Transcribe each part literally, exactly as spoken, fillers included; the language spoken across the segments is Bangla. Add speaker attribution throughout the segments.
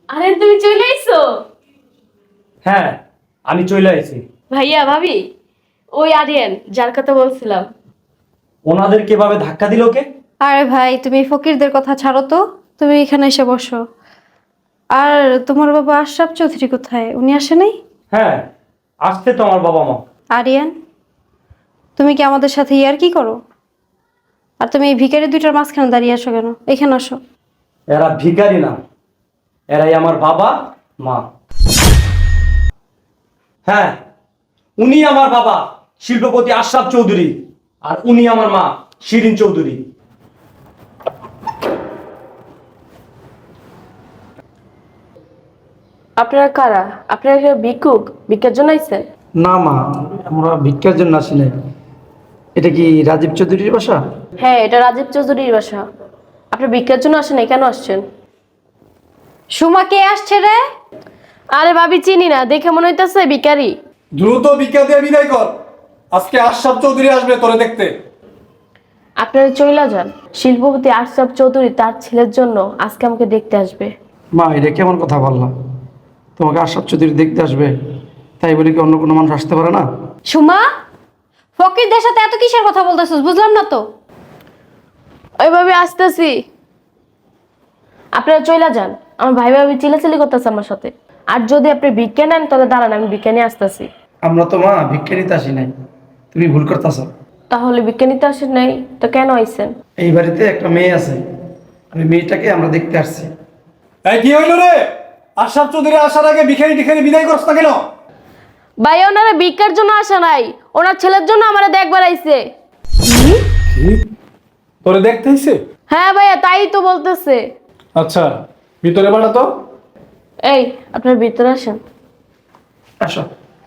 Speaker 1: আরে তুমি চলে আইছো?
Speaker 2: হ্যাঁ, আমি চলে আইছি।
Speaker 1: ভাইয়া ভাবি, ওই আরিয়ান যার কথা বলছিলাম।
Speaker 2: ওনাদের কিভাবে ধাক্কা দিল কে?
Speaker 3: আরে ভাই, তুমি ফকিরদের কথা ছাড়ো তো, তুমি এখানে এসে বসো। আর তোমার বাবা আশরাফ চৌধুরী কোথায়? উনি আসে নাই?
Speaker 2: হ্যাঁ, আসছে তো আমার বাবা মা।
Speaker 3: আরিয়ান, তুমি কি আমাদের সাথে ইয়ার কি করো? আর তুমি এই ভিখারি দুইটার মাঝখানে দাঁড়িয়ে আসো কেন? এখানে আসো।
Speaker 2: এরা ভিখারি না, এরাই আমার বাবা মা। হ্যাঁ, উনি আমার বাবা শিল্পপতি আশরাফ চৌধুরী, আর উনি আমার মা শিরিন চৌধুরী।
Speaker 1: আপনারা কারা? আপনারা কি ভিক্ষুক? ভিক্ষার জন্য আইছেন?
Speaker 4: না মা, আমরা ভিক্ষার জন্য আসি নাই। এটা কি রাজীব চৌধুরীর বাসা?
Speaker 1: হ্যাঁ, এটা রাজীব চৌধুরীর বাসা। আপনি ভিক্ষার জন্য আসেন, কেন আসছেন?
Speaker 3: সুমা, কে আসছে রে?
Speaker 1: আরে ভাবি, চিনি না, দেখে মনে হইতেছে ভিখারি।
Speaker 5: দ্রুত ভিক্ষা দিয়ে বিদায় কর। আজকে আশরাফ চৌধুরী আসবে তোরে দেখতে।
Speaker 1: আপনারা চইলা যান। শিল্পপতি আশরাফ চৌধুরী তার ছেলের জন্য আজকে আমাকে দেখতে আসবে।
Speaker 4: মা, এটা কেমন কথা বললাম? তোমাকে আশরাফ চৌধুরী দেখতে আসবে, তাই বলে কি অন্য কোনো মানুষ আসতে পারে না?
Speaker 3: সুমা, ফকিরদের সাথে এত কিসের কথা বলতেছিস? বুঝলাম না তো।
Speaker 1: ওইভাবে আসতেছি, আপনারা চইলা যান। আমার ভাই ভাবি চিলাচিলি করতেছে আমার সাথে। আর যদি আপনি ভিক্ষা নেন তাহলে দাঁড়ান, আমি ভিক্ষা নিয়ে আসতেছি।
Speaker 4: আমরা তো মা ভিক্ষা নিতে আসি নাই, তুমি ভুল করতেছ।
Speaker 1: তাহলে ভিক্ষা নিতে আসেন নাই তো কেন আইছেন?
Speaker 4: এই বাড়িতে একটা মেয়ে আছে, আমি মেয়েটাকে আমরা দেখতে আসছি।
Speaker 5: এই কি হইল রে? আশরাফ চৌধুরী আসার আগে ভিখারি টিখারি বিদায় করছ না কেন?
Speaker 1: ভাই, ওনারা ভিক্ষার জন্য আসে নাই, ওনার ছেলের জন্য আমার দেখবার আইছে।
Speaker 5: কি? তোরে দেখতে হইছে?
Speaker 1: হ্যাঁ ভাইয়া, তাই তো বলতেছে।
Speaker 5: আচ্ছা, ভিতরে বাড়া তো।
Speaker 1: এই, আপনার ভিতরে আসেন।
Speaker 4: আসো।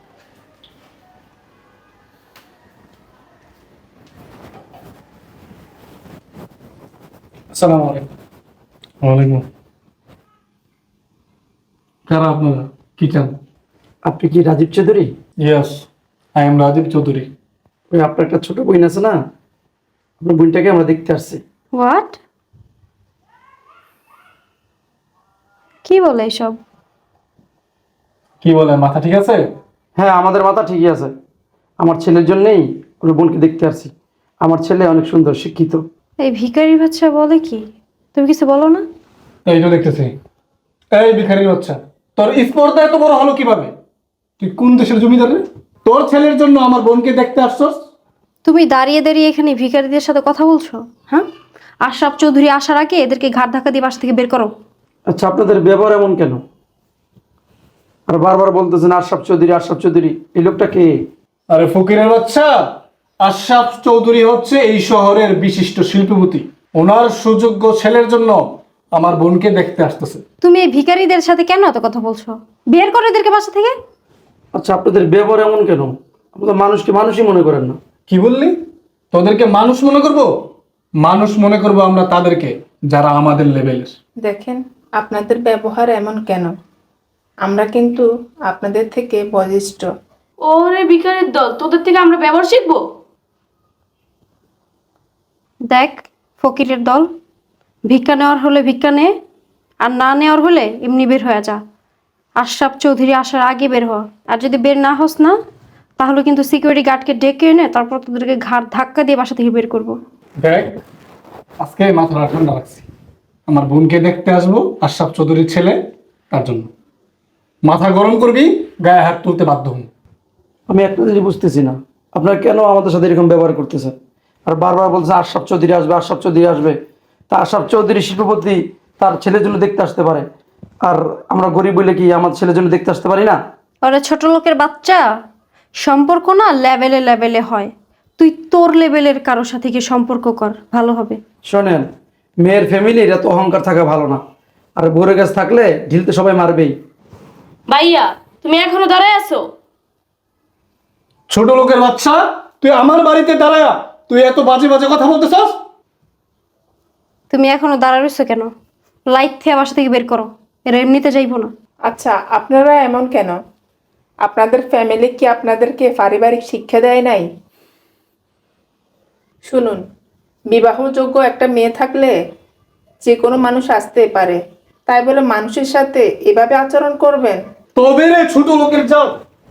Speaker 5: আসসালামু আলাইকুম। ওয়ালাইকুম। কারা আপনারা? কি চান?
Speaker 4: আপনি কি Rajib Chowdhury?
Speaker 5: Yes, I am Rajib Chowdhury.
Speaker 4: ওই আপনার একটা ছোট বোন আছে না, আপনার বোনটাকে আমরা দেখতে আসছি।
Speaker 3: হোয়াট? কি বলে এসব?
Speaker 5: কি বলে, মাথা ঠিক আছে?
Speaker 4: হ্যাঁ, আমাদের মাথা ঠিকই আছে। আমার ছেলের জন্যই ওর বোনকে দেখতে আসছি। আমার ছেলে অনেক সুন্দর, শিক্ষিত।
Speaker 3: এই ভিখারি বাচ্চা বলে কি? তুমি কিছু বলো না?
Speaker 5: এই তো দেখতেছি। এই ভিখারির বাচ্চা, তোর স্পর্ধা এত বড় হলো কিভাবে? তুই কোন দেশের জমিদার রে? তোর ছেলের জন্য আমার বোনকে দেখতে আসছস?
Speaker 3: তুমি দাঁড়িয়ে দাঁড়িয়ে এখানে ভিখারিদের সাথে কথা বলছো? হ্যাঁ, আশরাফ চৌধুরী আসার আগে এদেরকে ঘাট ধাক্কা দিয়ে বাসা থেকে বের করো।
Speaker 4: আচ্ছা, আপনাদের ব্যবহার এমন কেন? আর বারবার বলতেছেন আশরাফ চৌধুরী, আশরাফ চৌধুরী। এই লোকটা কে?
Speaker 5: আরে ফকিরের বাচ্চা, আশরাফ চৌধুরী হচ্ছে এই শহরের বিশিষ্ট শিল্পপতি। ওনার সুযোগ্য ছেলের জন্য আমার বোনকে দেখতে আসতেছে।
Speaker 3: তুমি এই ভিখারিদের সাথে কেন এত কথা বলছো? বের করো এদেরকে বাসা থেকে।
Speaker 4: আচ্ছা, আপনাদের ব্যবহার এমন কেন? আপনাদের মানুষকে মানুষই মনে করেন না।
Speaker 5: কি বললি? তোদেরকে মানুষ মনে করব? মানুষ মনে করব আমরা তাদেরকে যারা আমাদের লেভেলের।
Speaker 6: দেখেন, আপনাদের ব্যবহার এমন কেন? আমরা কিন্তু আপনাদের থেকে বয়োজ্যেষ্ঠ।
Speaker 1: ওরে ভিখারির দল, তোদের থেকে আমরা ব্যবহার শিখবো?
Speaker 3: দেখ ফকিরের দল, ভিক্ষা নেওয়ার হলে ভিক্ষা নে, আর না নেওয়ার হলে এমনি বের হয়ে যা। আশরাফ চৌধুরী আসার আগে বের হ। আর যদি বের না হস না, তাহলে কিন্তু সিকিউরিটি গার্ডকে ডেকে এনে তারপর তোদেরকে ঘাট ধাক্কা দিয়ে বাসা থেকে বের করবো।
Speaker 5: দেখ, আজকে মাথাটা ঠান্ডা রাখছি। আমার বোনকে দেখতে আসবো, আশরাফ চৌধুরীর ছেলে, তার জন্য মাথা গরম করবি, গায়ে হাত তুলতে বাধ্য হন।
Speaker 4: আমি একটা জিনিস বুঝতেছি না, আপনারা কেন আমাদের সাথে এরকম ব্যবহার করতেছেন? আর বারবার বলছে আশরাফ চৌধুরী আসবে, আশরাফ চৌধুরী আসবে। তা আশরাফ চৌধুরী শিল্পপতি, তার ছেলের জন্য দেখতে আসতে পারে। আর আমরা গরিব বলে কি আমার ছেলের জন্য দেখতে আসতে পারি না?
Speaker 3: ওরা ছোট লোকের বাচ্চা, সম্পর্ক না লেভেলে লেভেলে হয়। তুই তোর লেভেলের কারোর সাথে গিয়ে সম্পর্ক কর, ভালো হবে।
Speaker 4: শোনেন, মেয়ের ফ্যামিলির এত অহংকার থাকা ভালো না। আর বোরে গাছ থাকলে ঢিলতে সবাই মারবেই।
Speaker 1: ভাইয়া, তুমি এখনো দাঁড়ায় আছো?
Speaker 5: ছোট লোকের বাচ্চা, তুই আমার বাড়িতে দাঁড়ায়া তুই এত বাজে বাজে কথা বলতেছস?
Speaker 3: তুমি এখনো দাঁড়া রইছো কেন? লাইট থেকে বাসা থেকে বের করো, এরা এমনিতে যাইবো না।
Speaker 6: আচ্ছা, আপনারা এমন কেন? আপনাদের ফ্যামিলি কি আপনাদেরকে পারিবারিক শিক্ষা দেয় নাই? শুনুন, বিবাহযোগ্য একটা মেয়ে থাকলে যে কোনো মানুষ আসতে পারে, তাই বলে মানুষের সাথে এভাবে আচরণ করবেন?
Speaker 5: তবে রে ছোট লোকের যাও।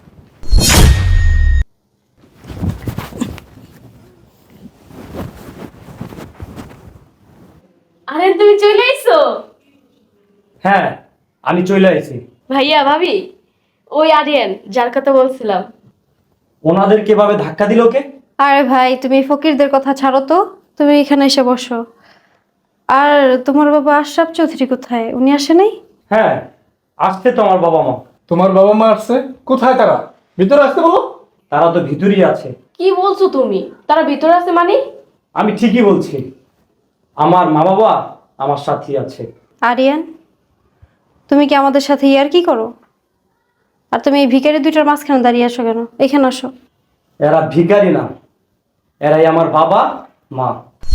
Speaker 1: আরে তুমি চলে আইছো?
Speaker 2: হ্যাঁ, আমি চলে আইছি।
Speaker 1: ভাইয়া ভাবি, ওই আরিয়ান যার কথা বলছিলাম।
Speaker 2: ওনাদেরকে এভাবে ধাক্কা দিল কে?
Speaker 3: আরে ভাই তুমি ফকিরদের কথা ছাড়ো তো, তুমি এখানে এসে বসো। আর তোমার বাবা আশরাফ চৌধুরী কোথায়? উনি আসে নাই?
Speaker 2: হ্যাঁ, আসছে তো আমার বাবা মা।
Speaker 5: তোমার বাবা মা আসছে? কোথায় তারা? ভিতরে আসতে বলো।
Speaker 2: তারা তো ভিতরেই আছে।
Speaker 1: কি বলছো তুমি? তারা ভিতরে আছে মানে?
Speaker 2: আমি ঠিকই বলছি, আমার মা বাবা আমার সাথেই আছে।
Speaker 3: আরিয়ান, তুমি কি আমাদের সাথে ইয়ার কি করো? আর তুমি এই ভিখারি দুইটার মাঝখানে দাঁড়িয়ে আসো কেন? এখানে আসো।
Speaker 2: এরা ভিখারি না, এরাই আমার বাবা মা।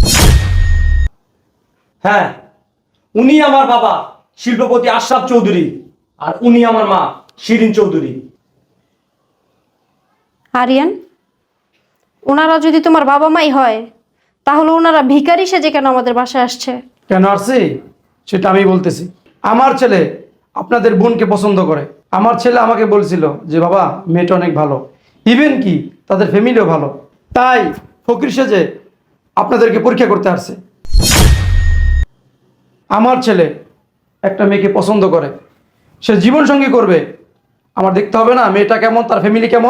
Speaker 2: হ্যাঁ, উনি আমার বাবা শিল্পপতি আশরাফ চৌধুরী, আর উনি আমার মা শিরিন চৌধুরী।
Speaker 3: আরিয়ান, ওনারা যদি তোমার বাবা মাই হয় তাহলে ওনারা ভিখারি সেজে কেন আমাদের বাসায় আসছে?
Speaker 4: কেন আসছি সেটা আমি বলতেছি। আমার ছেলে আপনাদের বোনকে পছন্দ করে। আমার ছেলে আমাকে বলছিল যে বাবা মেয়েটা অনেক ভালো, ইভেন কি তাদের ফ্যামিলিও ভালো, তাই ফকির সেজে আপনাদেরকে পরীক্ষা করতে আসছে। আমার ছেলে একটা মেয়েকে পছন্দ করে, সে জীবন সঙ্গী করবে, আমার দেখতে হবে না মেয়েটা কেমন, তার ফ্যামিলি কেমন?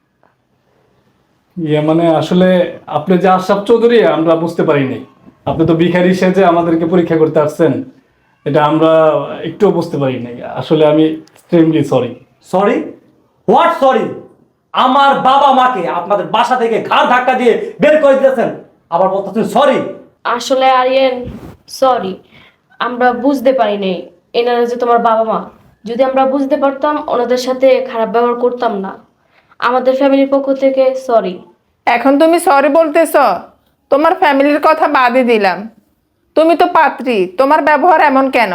Speaker 5: ইয়ে মানে আসলে আপনি যে আশরাফ চৌধুরী আমরা বুঝতে পারিনি। আপনি তো ভিখারি সেজে আমাদেরকে পরীক্ষা করতে আসছেন, এটা আমরা একটুও বুঝতে পারি নাই। আসলে আমি extremely sorry.
Speaker 2: Sorry? What sorry? আমার বাবা মাকে আপনাদের বাসা থেকে ঘাড় ধাক্কা দিয়ে বের করে দিয়েছেন, আবার বলতেছেন সরি?
Speaker 1: আসলে আরিয়ান সরি, আমরা বুঝতে পারি নাই এনারা যে তোমার বাবা মা। যদি আমরা বুঝতে পারতাম ওনাদের সাথে খারাপ ব্যবহার করতাম না। আমাদের ফ্যামিলির পক্ষ থেকে সরি।
Speaker 6: এখন তুমি সরি বলতেছ? তোমার ফ্যামিলির কথা বাদই দিলাম, তুমি তো পাত্রী, তোমার ব্যবহার এমন কেন?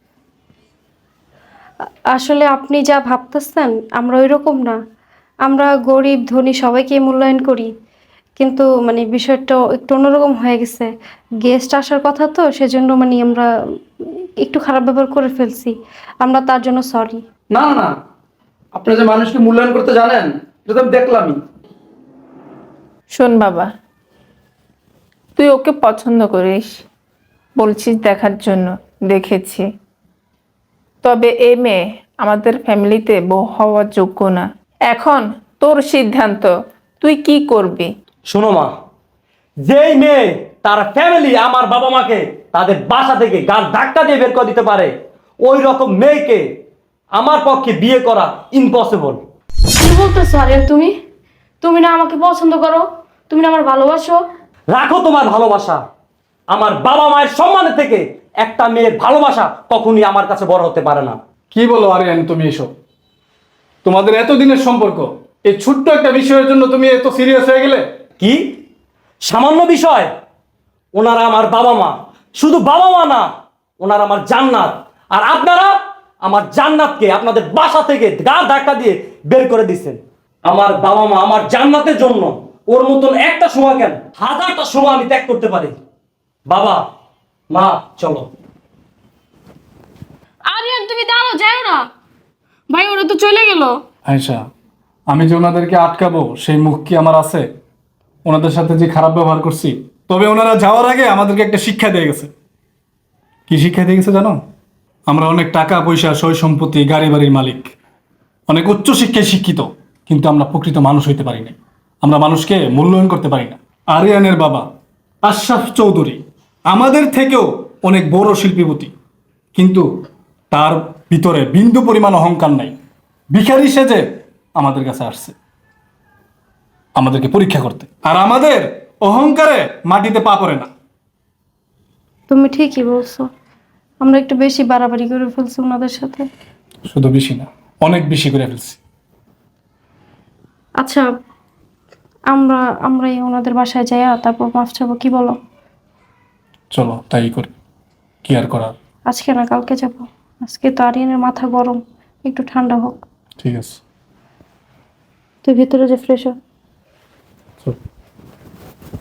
Speaker 3: আসলে আপনি যা ভাবতেছেন আমরা ওই রকম না। আমরা গরিব ধনী সবাইকে মূল্যায়ন করি, কিন্তু মানে বিষয়টা একটু অন্যরকম হয়ে গেছে। গেস্ট আসার কথা তো, সেজন্য মানে আমরা একটু খারাপ ব্যবহার করে ফেলছি। আমরা তার জন্য সরি।
Speaker 4: না না না, আপনারা যে মানুষকে মূল্যায়ন করতে জানেন এটা তো আমি দেখলামই।
Speaker 6: শোন বাবা, তুই ওকে পছন্দ করিস বলছিস দেখার জন্য, দেখেছি। তবে এ মেয়ে আমাদের ফ্যামিলিতে বউ হওয়ার যোগ্য না। এখন তোর সিদ্ধান্ত, তুই কি করবি?
Speaker 2: শোনো মা, যেই মেয়ে তার ফ্যামিলি আমার বাবা মাকে তাদের বাসা থেকে গাড় ধাক্কা দিয়ে বের করে দিতে পারে, ওই রকম মেয়েকে আমার পক্ষে বিয়ে করা ইম্পসিবল।
Speaker 1: কি বলতেছো আরিয়ান তুমি? তুমি না আমাকে পছন্দ করো, তুমি না আমার ভালোবাসো।
Speaker 2: রাখো তোমার ভালোবাসা। আমার বাবা মায়ের সম্মানের থেকে একটা মেয়ের ভালোবাসা কখনই আমার কাছে বড় হতে পারে না।
Speaker 5: কি বলো আরিয়ান তুমি এসব? তোমাদের এতদিনের সম্পর্ক, এই ছোট্ট একটা বিষয়ের জন্য তুমি এত সিরিয়াস হয়ে গেলে?
Speaker 2: কি সামান্য বিষয়? ওনারা আমার বাবা মা, শুধু বাবা মা না, ওনারা আমার জান্নাত। আর আপনারা আমার জান্নাতকে আপনাদের বাসা থেকে গা ধাক্কা দিয়ে বের করে দিচ্ছেন। আমার বাবা মা আমার জান্নাতের জন্য ওর মতন একটা সময় কেন হাজারটা সময় আমি ত্যাগ করতে পারি। বাবা মা চলো।
Speaker 1: আরিয়ান তুমি দাঁড়াও, যাও না ভাই, ওরা তো চলে গেল।
Speaker 5: আয়শা, আমি যে ওনাদেরকে আটকাবো সেই মুখ কি আমার আছে? ওনাদের সাথে যে খারাপ ব্যবহার করছি, তবে ওনারা যাওয়ার আগে আমাদেরকে একটা শিক্ষা দিয়ে গেছে। কি শিক্ষা দিয়ে গেছে জানো? আমরা অনেক টাকা পয়সা, সয় সম্পত্তি, গাড়ি বাড়ির মালিক, অনেক উচ্চ শিক্ষায় শিক্ষিত, কিন্তু আমরা প্রকৃত মানুষ হইতে পারি না। আমরা মানুষকে মূল্যায়ন করতে পারি না। আরিয়ানের বাবা আশরাফ চৌধুরী আমাদের থেকেও অনেক বড় শিল্পীপতি, কিন্তু তার ভিতরে বিন্দু পরিমাণ অহংকার নাই। ভিখারি সেজে আমাদের কাছে আসছে আমাদেরকে পরীক্ষা করতে, আর আমাদের অহংকারে মাটিতে পা পড়ে না।
Speaker 3: তুমি ঠিকই বলছো, আমরা একটু বেশি বাড়াবাড়ি করে ফেলছি ওনাদের সাথে।
Speaker 5: শুধু বেশি না, অনেক বেশি করে ফেলছি।
Speaker 3: আচ্ছা, আমরা আমরাই ওনাদের বাসায় যাইয়া তারপর মাফ চাবো, কি বলো?
Speaker 5: চলো তাই করি, কি আর করার।
Speaker 3: আজকে না কালকে যাব। আজকে তো আরিয়ানের মাথা গরম, একটু ঠান্ডা হোক।
Speaker 5: ঠিক আছে,
Speaker 3: তুই ভিতরে যে ফ্রেশ হ।
Speaker 5: চল।